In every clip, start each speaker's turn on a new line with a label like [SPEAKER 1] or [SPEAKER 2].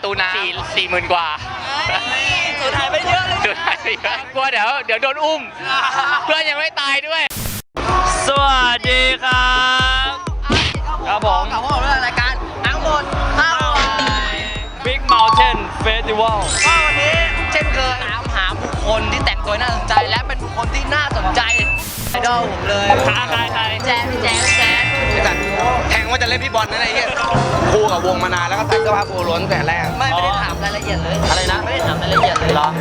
[SPEAKER 1] ตูน้ำ40,000 กว่า
[SPEAKER 2] สุดท้ายไปเยอะเลย
[SPEAKER 1] สุดท้ายไปเยอะกลัวเดี๋ยวโดนอุ้มเพื่อนยังไม่ตายด้วย
[SPEAKER 2] สวัสดีครับครับผม
[SPEAKER 1] กับพวกเรารายการทั้งหมด
[SPEAKER 2] Big Mountain Festival
[SPEAKER 1] ก็วันนี้เช่นเคยถามหาบุคคลที่แต่งตัวน่าสนใจและเป็นบุคคลที่น่าสนใจไอดอลผมเลย
[SPEAKER 2] ใคร
[SPEAKER 1] แจ๊เดี๋ยวก่อนแทงว่าจะเล่นพี่บอลนั่นไอ้เหี้ยคู่กับวงมานานแล้วก็ใส่เสื้อผ้าโปโลตั้งแต่แรกไม่ได้ถามรายละเอียดเลยอะไรนะไม่ได้ถามรายละเอียดเลยเหรอ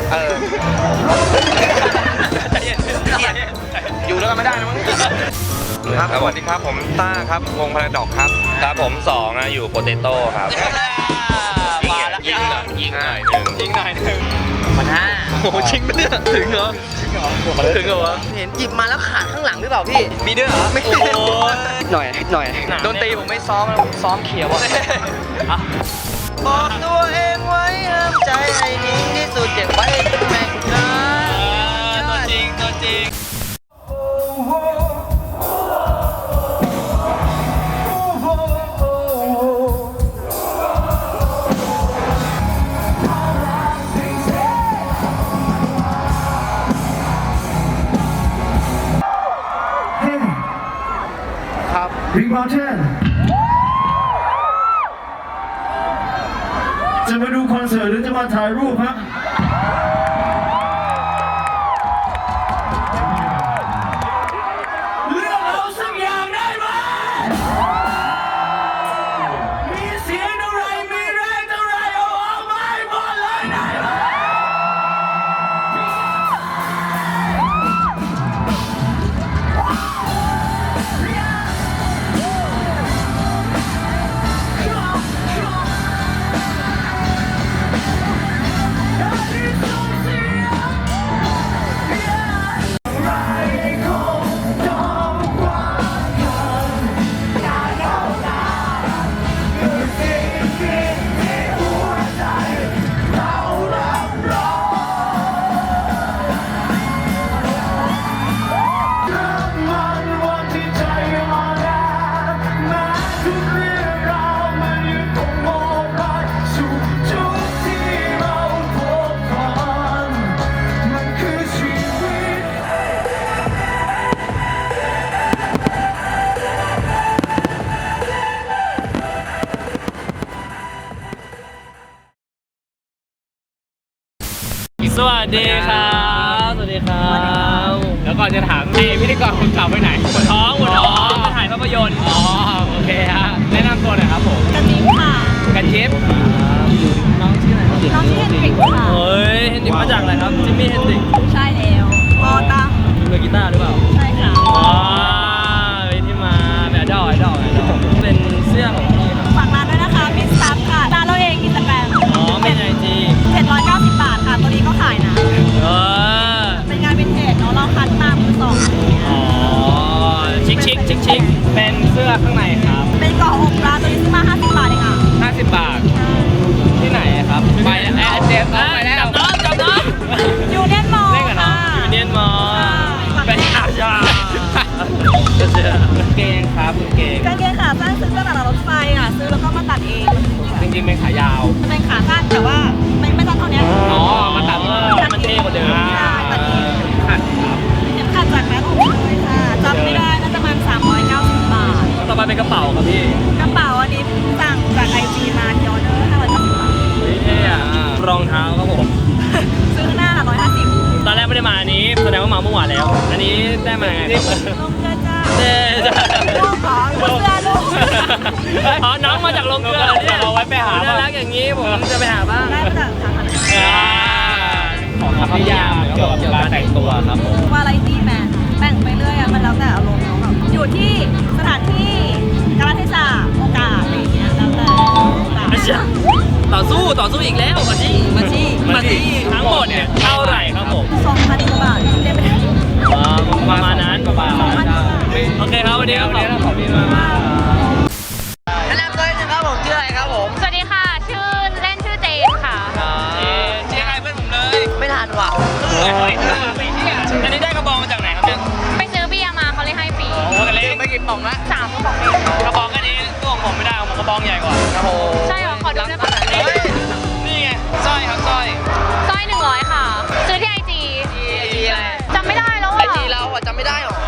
[SPEAKER 1] อยู่แล้วก็ไม่ได้นะมั้ง
[SPEAKER 3] ครับสวัสดีครับผมต้าครับวงพาราดอกครับครับผม2นะอยู่โปเตโต้ครับยิงหน่อย
[SPEAKER 2] ยิงหน่อยหนึ่ง
[SPEAKER 1] มัน5
[SPEAKER 2] โอ้ชิงไปเนี่ยถึงเหรอถึงเหรอวะ
[SPEAKER 1] เห็นหยิบมาแล้วขาดข้างหลังหรือเปล่าพี่
[SPEAKER 2] มีด้วยเหรอ
[SPEAKER 1] ไม่หน่อยดนตรีผมไม่ซ้อมแล้วซ้อมเขียวบอกตัวเองไว้ห้ามใจให้นิ่งที่สุดเก็บไว้แม่งนะ
[SPEAKER 2] ตัวจริง
[SPEAKER 4] Big Mountain จะมาดูคอนเสิร์ตหรือจะมาถ่ายรูปฮะเลือกเอาสักอย่างได้ไหมมีเสียงเท่าไรมีแรงเท่าไรเอาออกมาให้หมดเลยได้ไหม
[SPEAKER 2] สวัสดีครับแล้วก่อนจะถามพิธีกรคนเก่าไปไหนปวดท้องถ่ายภาพยนตร์โอเคฮะแนะนำตัวหน่อยครับผม
[SPEAKER 5] กันจิ๊บค่ะ
[SPEAKER 2] กันจิ๊บน้องชื่ออะไรครับ
[SPEAKER 5] น้องชื่อเฮนดริกค่ะ
[SPEAKER 2] เฮ้ยเฮนดริกมาจากอะไรครับจิมมี่เฮนดริก
[SPEAKER 5] ใช่แล้วมอตั้ง
[SPEAKER 2] เล่นกีตาร์หรือเปล่า
[SPEAKER 5] ใช่ค่ะ
[SPEAKER 2] เป็นที่มาแบบไอดอลเป็นเสื้อของพี่ครับ
[SPEAKER 5] ฝากร้านด้วยนะคะมิสซับค่ะร้านเราเองอินสตาแกรม
[SPEAKER 2] ไม่ในจี
[SPEAKER 5] 790 บาทค่ะตัวนี้ก็ขายนะเป็นงานวินเทจเนาะเราคัดมามือสอง
[SPEAKER 2] ชิคเป็นเสื้อข้างในครับ
[SPEAKER 5] เป็นเกาะอกร้านตัวนี้ซื้อมา50 บาทเองค่ะ
[SPEAKER 2] 50 บาทที่ไหนครับ
[SPEAKER 1] ไปเจมส์ไปแล้ว
[SPEAKER 2] จับน้อง
[SPEAKER 5] ยูเนียนมอลล์
[SPEAKER 2] ค่ะยูเนียนมอลล์เป็นอาชาเสื้อกางเกงครับ
[SPEAKER 5] กางเกงขาสั้นซื้อตลาดรถไฟอ่ะซื้อแล้วก็มาตัดเอง
[SPEAKER 2] จริงๆเป็นขายาว
[SPEAKER 5] เป็นขาสั้นแต่ว่าไม่สั้นเท่านี้
[SPEAKER 2] มาตัดมันเท่กว่าเดิม
[SPEAKER 5] ตัดเอง
[SPEAKER 2] ขัดครับ
[SPEAKER 5] ขัดจากแม่ผมเลยค่ะจำไม่ได้น่าจะประมาณ390 บาท
[SPEAKER 2] ต่อไปเป็นกระเป๋าครับพี่
[SPEAKER 5] กระเป๋าอันนี้สั่งจากIGมาที่ออเดอร์590 บาท
[SPEAKER 2] เท่อะรองเท้าครับผม
[SPEAKER 5] ซื้อหน้า150
[SPEAKER 2] ตอนแรกไม่ได้มาอันนี้แสดงว่ามาเมื่อวานแล้วอันนี้ได้มาไงครับ
[SPEAKER 5] ลงเกลือจ้าลูกของเสื้อลูก
[SPEAKER 2] น้องมาจากลงเกลือเนี่ยเราไว้ไปหาน่ารักอย่างนี้ผมจะไปหาบ้าง
[SPEAKER 5] ได้มาจากทางอะไร
[SPEAKER 2] ของคำนิยามเกี่ยวกับการแต่งตัวครับผม
[SPEAKER 5] ว่าอะไรดีแม่แต่งไปเรื่อยอ่ะมันแล้วแต่อารมณ์แบบอยู่ที่สถานที่กาลเทศะโอกาสอะไรอย่างเงี้ยแล้วแต่
[SPEAKER 2] ต่อสู้อีกแล้วมาจี้ทั้งหมดเนี่ยเท่าไหร่ครับผม
[SPEAKER 5] 2,000 บาทเรียกไม่ได้
[SPEAKER 2] ประมาณนั้นโอเคครับวันนี้ขอบคุณมาก
[SPEAKER 1] แนะนำตัวหนึ่งครับผมชื่ออะไรครับผม
[SPEAKER 5] สวัสดีค่ะชื่อเล่นชื่อเจนค่ะ
[SPEAKER 2] เจ๊ใครเพื่อนผมเลย
[SPEAKER 1] ไม่ทันว่ะ
[SPEAKER 2] อันนี้ได้กระบองมาจากไหนครับเนี่ย
[SPEAKER 5] ไปซื้อเบียร์มาเขาเลยให้ฟรี
[SPEAKER 2] โอ้กันเล็ก
[SPEAKER 1] ไปกินป่องละ
[SPEAKER 5] 3 กระป๋องเอง
[SPEAKER 2] กระบองแค่นี้ตัวของผมไม่ได้ของผมกระบองใหญ่กว่า
[SPEAKER 1] โอ้โห
[SPEAKER 5] ใช่เหรอขอดูได้ป่ะ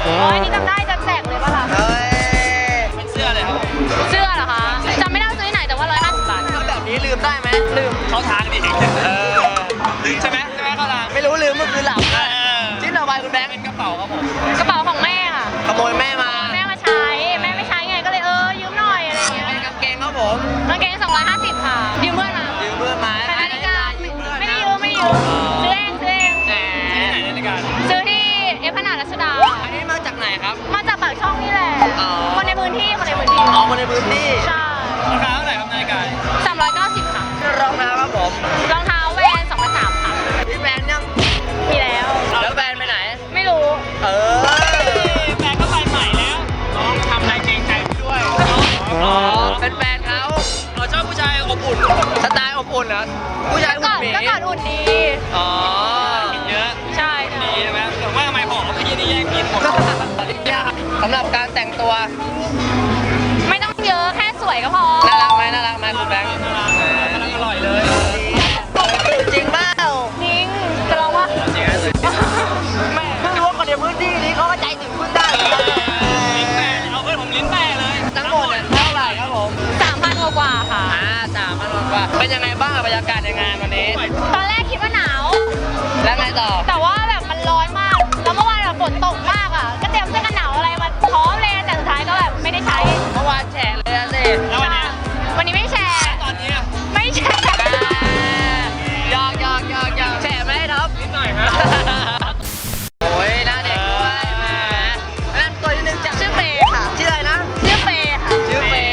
[SPEAKER 5] อ๋อนี่จำได้จะแจกเลยป่ะคะ
[SPEAKER 1] เฮ้ย
[SPEAKER 2] เป็นเสื้อเลยครับผม
[SPEAKER 5] เสื้อเหรอคะจำไม่ได้ว่าซื้อที่ไหนแต่ว่า150 บาท
[SPEAKER 1] ทำแบบนี้ลืมได้ไหมลืม
[SPEAKER 2] เข้าทางดิใช่ไหมเข้าทาง
[SPEAKER 1] ไม่รู้ลืมเมื่อคืนหลับชิ้นต่อไปคุณแบงค์
[SPEAKER 2] เป็นกระเป๋าครับผม
[SPEAKER 5] กระเป๋าของแม่ค่ะ
[SPEAKER 1] ขโมยแม่มา
[SPEAKER 5] แม่มาใช้แม่ไม่ใช้ไงก็เลยยืมหน่อยอะไรอย่างเงี้ย
[SPEAKER 1] เป็นกางเกงครับผม
[SPEAKER 5] กางเกง250ค่ะยืมเพื่อนมา
[SPEAKER 1] ยืมเพื่อนมา
[SPEAKER 5] แต่นาฬิกาไม่ได้ยืมซื้อเอง
[SPEAKER 1] แหม
[SPEAKER 2] ที่ไหนนาฬิกา
[SPEAKER 5] ซื้อที่เอฟขนาดรัชดา
[SPEAKER 1] อันนี้มาจากไหนครับ
[SPEAKER 5] มาจากปากช่องนี่แหละ
[SPEAKER 1] อ๋อ
[SPEAKER 5] คนในพื้นที่
[SPEAKER 1] อ๋อมาในพื้นที่
[SPEAKER 5] ใช่
[SPEAKER 2] ราคาเท่าไหร่ครับนาฬิกา
[SPEAKER 5] 390ค่ะ
[SPEAKER 1] รองเท้าครับผม
[SPEAKER 5] รองเท้าแวน2,300ค่ะ
[SPEAKER 1] พี่แบงค์ยัง
[SPEAKER 5] มีแล้ว
[SPEAKER 1] แล้วแบรนด์ไปไหน
[SPEAKER 5] ไม่รู้
[SPEAKER 1] เออ
[SPEAKER 2] แฟนก็ไปใหม่แล้วน้องทำอะไรเกรงใจพี่ด้วย
[SPEAKER 1] อ๋อเป็นแฟนเขา
[SPEAKER 2] เราชอบผู้ชายอบอุ่น
[SPEAKER 1] สไตล์อบอุ่นเหรอผู้ชาย
[SPEAKER 5] ก็
[SPEAKER 1] อุ่นหมี
[SPEAKER 5] ก็กอดอุ่นดี
[SPEAKER 1] อ๋อ
[SPEAKER 2] กินเยอะ
[SPEAKER 5] ใช่
[SPEAKER 2] ดีใช่ไหมแต่ว่าทำไมผอมเมื่อกี้นี่แย่งกินหมด
[SPEAKER 1] สำหรับการแต่งตัว
[SPEAKER 5] ไม่ต้องเยอะแค่สวยก็พอ
[SPEAKER 1] น่ารักไหมคุณแบงค์
[SPEAKER 2] กำลังอร่อยเลย
[SPEAKER 1] จริงเปล่า
[SPEAKER 5] นิ้งจะลองว่า
[SPEAKER 2] จริงๆ
[SPEAKER 1] แม่เพิ่งรู้ว่าคนในพื้นที่นี้เขาก็ใจถึงพึ่งได้เหมือนกัน
[SPEAKER 2] ลิ้นแปะเอาเพื่อนผมลิ้นแปะเลย
[SPEAKER 1] ทั้งหมดเนี่ยเท่าไหร่ครับผม
[SPEAKER 5] 3,000 กว่าค่ะ
[SPEAKER 1] 3,000 กว่าเป็นยังไงบ้างกับบรรยากาศในงานวันนี้
[SPEAKER 5] ตอนแรกคิดว่าหนาว
[SPEAKER 1] แล้วไงต่อ
[SPEAKER 5] แต่ว่าแบบมันร้อนมาก แล้วเมื่อวานแบบฝนตกมากอ่ะ ก็เตรียมเสื้อกันหนาวอะไรมาพร้อมเลย แต่สุดท้ายก็แบบไม่ได้ใช้
[SPEAKER 1] เมื่อวานแฉะเลยอะสิ
[SPEAKER 2] แล้ววันนี้
[SPEAKER 5] วันนี้ไม่แชร์
[SPEAKER 2] ตอนนี้
[SPEAKER 5] ไม่แชร์
[SPEAKER 1] ยอกแฉะไหมท็อป
[SPEAKER 2] นิดหน่อยฮะ
[SPEAKER 1] โอ้ยหน้าเด็กด้วยแหมนั่นตัวนิดนึงจ้ะ
[SPEAKER 5] ชื่อเฟย์ค่ะ
[SPEAKER 1] ชื่ออะไรนะ
[SPEAKER 5] ชื่อเฟย์ค่ะ
[SPEAKER 1] ชื่อเฟย์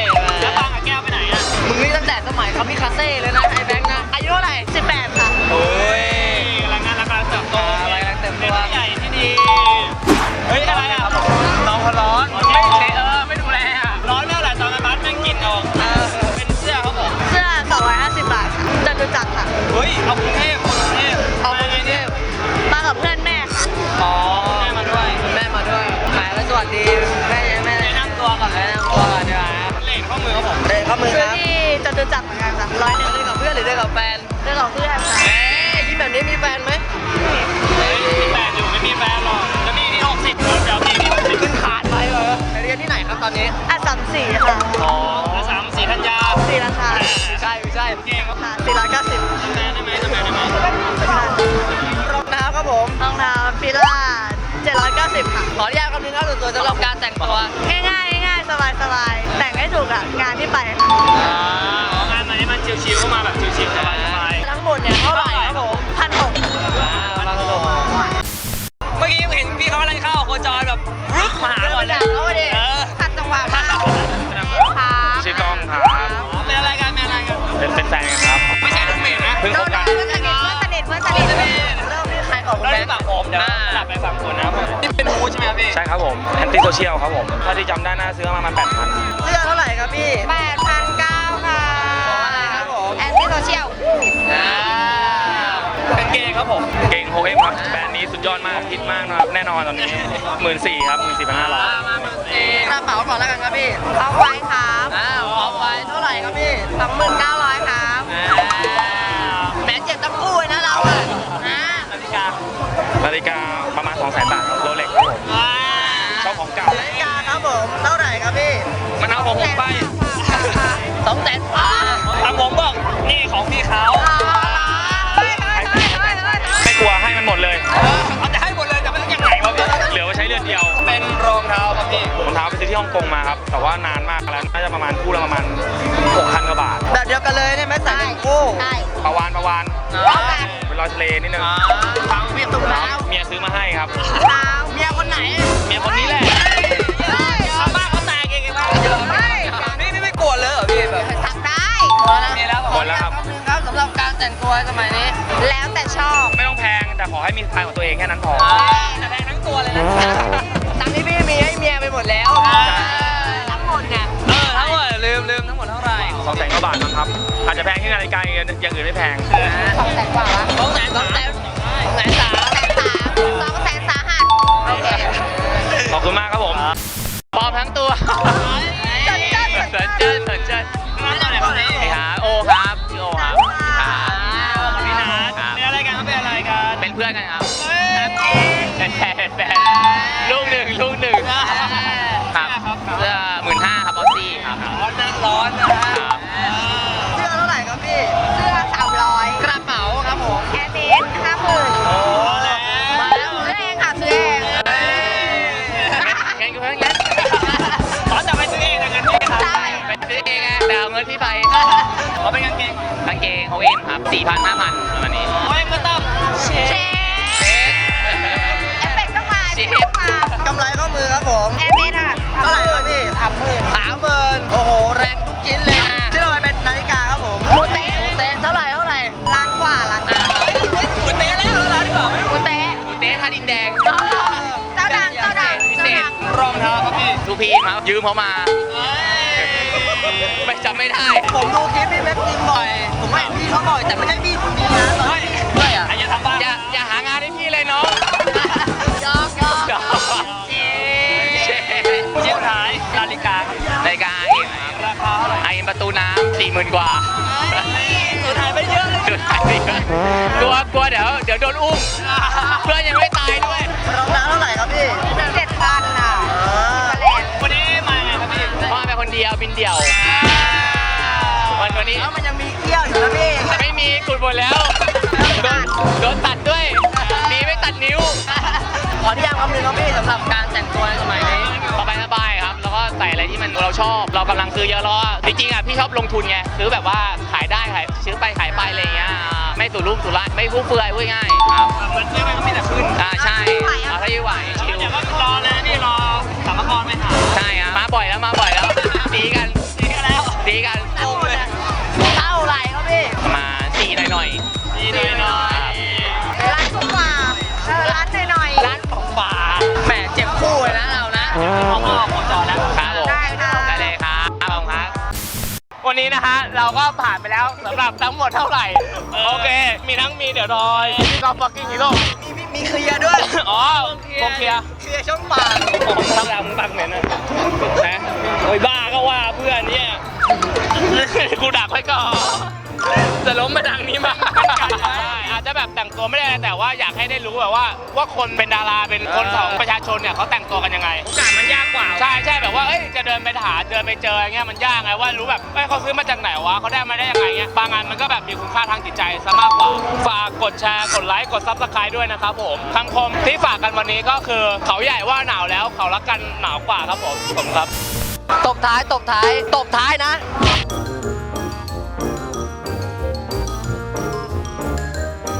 [SPEAKER 2] แล้วบางกับแก้วไปไหนอ่ะ
[SPEAKER 1] มึงนี่ตั้งแต่สมัยเขามีคาเซ่เลยนะไอ้แบงค์นะอายุเท่าไหร่
[SPEAKER 5] 18 ค่ะ
[SPEAKER 1] โอ้ย
[SPEAKER 2] กำลังงานราคาเติบโต
[SPEAKER 1] กำลังเติบโต
[SPEAKER 2] เป็นผู้ใหญ่ที่ดี เฮ้ยอะไรอ่ะ น้องเขาร้อนไม่ไม่ดูแลอ่ะ ร้อนเมื่อไหร่ตอนนั้นบัสแม่งกินออกเป็นเสื้อครับผม
[SPEAKER 5] เสื้อ 250 บาทค่ะจตุจักรค่ะ
[SPEAKER 2] เฮ้ย เอากรุงเทพคนกรุงเทพ
[SPEAKER 1] เอาไปไงเนี่ย
[SPEAKER 5] มากับเพื่อนแม่ค่ะ
[SPEAKER 1] อ๋อ
[SPEAKER 2] แม่มาด้วย
[SPEAKER 1] คุณแม่มาด้วยแหมแล้วสวัสดีแม่ยังไม่แนะนำตัวก่อนแนะนำตัวก่อนดีกว่า
[SPEAKER 2] เหล็กข้อมือครับผม
[SPEAKER 1] เดินเข้ามือ
[SPEAKER 5] ซื้
[SPEAKER 1] ค
[SPEAKER 5] อ
[SPEAKER 1] รับ
[SPEAKER 5] ที่จตุจักรเหมือนกันค่ะ100
[SPEAKER 1] เดินกับเพื่อนหรือเดินกับแฟน
[SPEAKER 5] เรื่องของเพื่อนค่ะ
[SPEAKER 1] แหมยิ้มแบบนี้มีแฟนไหม
[SPEAKER 2] เฮ้ยมีแฟนอยู่ไม่มีแฟนหรอกแล้วนี่ที่60เดี๋ยวพี่ที่60
[SPEAKER 1] ขึ้นขาดไปเหรอไปเรียนที่ไหนครับตอนนี้
[SPEAKER 5] อัด34ค่ะ
[SPEAKER 1] อ๋อ
[SPEAKER 2] แล้ว3-4ธัญญา
[SPEAKER 5] 4ราคา
[SPEAKER 1] ไม่ใช่
[SPEAKER 2] เก่งครับ
[SPEAKER 5] ค่ะ490
[SPEAKER 2] ทำแฟนได้ไหมทำแฟนได้ไหม
[SPEAKER 1] รองเท้าครับผม
[SPEAKER 5] รองเท้าฟิล่า790 ค่ะ
[SPEAKER 1] ขออนุญาตคำนึงครับส่วนตัวสำหรับการแต่งตัว
[SPEAKER 5] ง่ายๆ สบายๆ แต่งให้ถูกอ่ะ งานที่ไปค่ะ
[SPEAKER 2] งานมันนี่มันชิวๆเข้ามาแบบชิวๆสบายๆ
[SPEAKER 1] ทั้งหมดเนี่ยเท่าไหร่ครับผม
[SPEAKER 5] 1,600
[SPEAKER 1] บางกระโดด
[SPEAKER 2] เมื่อกี้เห็นพี่เขากำลังเข้าโคจรแบบรึกมาหาก่อนเลย
[SPEAKER 1] เอาไปดิ
[SPEAKER 5] ขัดจังหวะมากค่ะ
[SPEAKER 3] ชื่อกล้องครับ
[SPEAKER 2] เป็นอะไรกันเป็นอะไรกัน
[SPEAKER 3] เป็นแฟนกันครับ
[SPEAKER 2] ไม่ใช่ลูกเมดนะ
[SPEAKER 3] เพิ่งคบกัน
[SPEAKER 5] เพื่อนสนิท
[SPEAKER 1] เริ่มที่ใครก่อนคุณ
[SPEAKER 2] เรา
[SPEAKER 3] Dạ.
[SPEAKER 1] แบ
[SPEAKER 2] ได้
[SPEAKER 1] งค์
[SPEAKER 2] ฝั่งผมเดี๋ยวกลับไปฝั่งคนนะครับนี่เป็นฮูดใช่ไหมครับพี่
[SPEAKER 3] ใช่ครับผมแอนตี้โซเชียลครับผมถ้าที่จำได้น่าซื้อมาประมาณ8,000
[SPEAKER 1] เสื้อเท่าไหร่ครับพี่
[SPEAKER 5] 8,900 ค่ะ
[SPEAKER 1] อะไรครับผม
[SPEAKER 5] แอนตี้โซเชียล
[SPEAKER 2] เป็นเกย์ครับผม
[SPEAKER 3] เก่งโฮเอ็มครับแบรนด์นี้สุดยอดมากฮิตมากนะครับแน่นอนตอนนี้ 14,000ครับ 14,500
[SPEAKER 1] มาหน้าเป๋าก่อนแล้วกันครับพี่
[SPEAKER 5] เอาไว้ครับ
[SPEAKER 1] เอาไปเท่าไหร่ครับพี่
[SPEAKER 5] 29,000 ครับ
[SPEAKER 1] แหมเจ็บทั้งคู่เลยนะเราอ่ะ
[SPEAKER 2] นาฬิกา
[SPEAKER 3] นาฬิกาประมาณ 200,000 บาทครับโรเล็กครับผมชอบของเก่า
[SPEAKER 1] นาฬิกาครับผมเท่าไหร่ครับพี่
[SPEAKER 2] มันเอาผมไป
[SPEAKER 1] 200,000บาท
[SPEAKER 2] ทางผมบอกนี่ของพี่เขา
[SPEAKER 3] ไม่กลัวให้มันหมดเลย
[SPEAKER 2] เขาจะให้หมดเลยแต่ไม่รู้ยังไงวะพี่
[SPEAKER 3] เหลือไว้ใช้เดือนเดียว
[SPEAKER 2] เป็นรองเท้าครับพี่
[SPEAKER 3] รองเท้าไปซื้อที่ฮ่องกงมาครับแต่ว่านานมากแล้วน่าจะประมาณคู่ละประมาณ 6,000 กว่าบาท
[SPEAKER 1] แบบเดียวกันเลยเนี่ยแม่ใส่เป็นคู่
[SPEAKER 5] ใช่
[SPEAKER 3] ประวาน
[SPEAKER 1] เอาแบบ
[SPEAKER 3] เป็นรอยทะเลนิดนึง
[SPEAKER 1] ฟังเมียตุ้มแล้ว
[SPEAKER 3] เมียซื้อมาให้ครับ
[SPEAKER 1] เมียคนไหน
[SPEAKER 3] เมียคนนี้แหละ
[SPEAKER 2] ชาวบ้านเขาแตกเองไงบ้างนี่ไม่โกรธเลยเหรอพี่แบบ
[SPEAKER 5] ทำได้
[SPEAKER 2] มีแล้ว
[SPEAKER 3] หมดแล้วครับ
[SPEAKER 1] คำนึงครับสำหรับการแต่งตัวสมัยนี้
[SPEAKER 5] แล้วแต่ชอบ
[SPEAKER 3] ไม่ต้องแพงแต่ขอให้มีสไตล์ของตัวเองแค่นั้นพอ
[SPEAKER 2] แดงทั้งตัวเลยนะ
[SPEAKER 1] ตังค์ที่พี่มีให้เมียไปหมดแล้ว
[SPEAKER 5] ทั้งหมดเนี่ย
[SPEAKER 2] ทั้งหมดลืมทั้งหมดเท่าไหร่
[SPEAKER 3] 200,000 กว่าบาทมั้งครับอาจจะแพงที่นาฬิกาอย่างอื่นไม่แพง
[SPEAKER 5] 200,000 กว่าละ 200,000 สาหัส โอเค
[SPEAKER 3] ขอบคุณมากครับผม
[SPEAKER 2] ปลอมทั้งตัว
[SPEAKER 5] สนใจ
[SPEAKER 2] สนใจน้องตัวไหนครับเนี่ย
[SPEAKER 3] ไอ้หาโอครับชื่อโอครับ
[SPEAKER 2] พี่นัทเป็นอะไรกันครับเป็นอะไรกัน
[SPEAKER 3] เป็นเพื่อนกันครับ
[SPEAKER 2] แฟนลูกหนึ่งเขาเป็นกางเกงโอเอ็นครับ 4,000 5,000ประมาณนี้โอเอ็นก็ต้องเชฟ
[SPEAKER 5] เอฟเฟกต์ต้องมาเอฟเฟกต์ต้องมาก
[SPEAKER 1] ำไรข้อมือครับผม
[SPEAKER 5] แอร์เมสอ่ะ
[SPEAKER 1] เท่าไหร่ครับพี่30,000โอ้โหแรงทุกชิ้นเลยนะที่เราไปเป็นนาฬิกาครับผม
[SPEAKER 5] หมูเต๊ะ
[SPEAKER 1] เท่าไหร่
[SPEAKER 5] ล้านกว่าล้านกว่า
[SPEAKER 1] หมูเต๊ะแล้วร้านดีกว่า
[SPEAKER 5] หมูเต๊ะ
[SPEAKER 2] เต๊ท่าดินแดง
[SPEAKER 5] เจ้าดัง
[SPEAKER 2] พิเศษรองเท้าครับพี่ลูกพีมายืมเขามาไม่จำไม่ได้
[SPEAKER 1] ผมดูคลิปพี่แม็กซ์ยิงบ่อยผมว่าเห็นพี่เขาบ่อยแต่ไม่ใช่พี่คนนี้นะตอนที่ด้วยอ่ะ
[SPEAKER 2] อย่าทำบ้าอย่าหางานให้พี่เลยน้อง
[SPEAKER 5] ยอก
[SPEAKER 2] ชิ้นท้ายนาฬิกาเองราคาเท่าไหร่ไอประตูน้ำ40,000 กว่าสุดท้ายไปเยอะเลยกลัวเดี๋ยวโดนอุ้มเพื่อนยังไม่ตายด้วย
[SPEAKER 1] รองเท้าเท่าไหร่ครับพี่
[SPEAKER 5] 7,000อ่ะ
[SPEAKER 2] วันนี้มาไงครับพี่พ่อไปคนเดียวบินเดี่ยววันนี้
[SPEAKER 1] แล้วมันยังมีเกี้ยวอยู่นะพี่
[SPEAKER 2] ไม่มีกุดหมดแล้วโดนตัดด้วยดีไม่ตัดนิ้ว
[SPEAKER 1] ขอที่ยังคำนึงครับพี่สำหรับการแต่งตัวในสมัยนี้
[SPEAKER 2] สบายครับ แล้วก็ใส่อะไรที่มันเราชอบ เรากำลังซื้อเยอะแล้วจริงๆอ่ะพี่ชอบลงทุนไงซื้อแบบว่าขายได้ซื้อไปขายไปอะไรเงี้ยไม่สู่รุ่มสู่ร้านไม่ฟุ่มเฟือยพูดง่ายครับมันซื้อไปก็มีแต่ขึ้นใช่เอาถ้ายิ่งไหวชิว
[SPEAKER 3] เดี๋ยวก็รอเลยนี่รอสามกรไม่หา
[SPEAKER 2] ใช่ครับมาบ่อยแล้วดีกัน
[SPEAKER 1] เท่าไหร่ครับพี่
[SPEAKER 2] มา4หน่อย
[SPEAKER 5] ล้านกว่าล้านหน่อย
[SPEAKER 2] ร้านของฝา
[SPEAKER 1] แหมเจ็บคู่เลยนะเรานะ
[SPEAKER 2] ของพ่อของจอแล้วครับผม
[SPEAKER 5] ได้ค่ะ
[SPEAKER 2] ได้เลยครับวันนี้นะฮะเราก็ผ่านไปแล้วสำหรับทั้งหมดเท่าไหร่โอเคมีเดี๋ยวรอยพี่กอล์ฟฟักกิ้งฮีโร่
[SPEAKER 1] มีเคลียร์ด้วย
[SPEAKER 2] อ๋อโอเคลียร์
[SPEAKER 1] เคลียร์ช่องปาก
[SPEAKER 2] ผมทำแล้วมึงบังเหม็นนะนะโอ้ยบ้าก็ว่าเพื่อนเนี่ยกูดักไว้ก่อนจะล้มมาดังนี้มาอาจจะแบบแต่งตัวไม่ได้แต่ว่าอยากให้ได้รู้แบบว่าคนเป็นดาราเป็นคนของประชาชนเนี่ยเขาแต่งตัวกันยังไงโอกาสมันยากกว่าใช่แบบว่าเอ้ยจะเดินไปหาเดินไปเจออย่างเงี้ยมันยากไงว่ารู้แบบเอ้ยเขาซื้อมาจากไหนวะเขาได้มาได้ยังไงเงี้ยบางงานมันก็แบบมีคุณค่าทางจิตใจซะมากกว่าฝากกดแชร์กดไลค์กดซับสไครต์ด้วยนะครับผมคำคมที่ฝากกันวันนี้ก็คือเขาใหญ่ว่าหนาวแล้วเขารักกันหนาวกว่าครับผมครับ
[SPEAKER 1] ตบท้ายนะ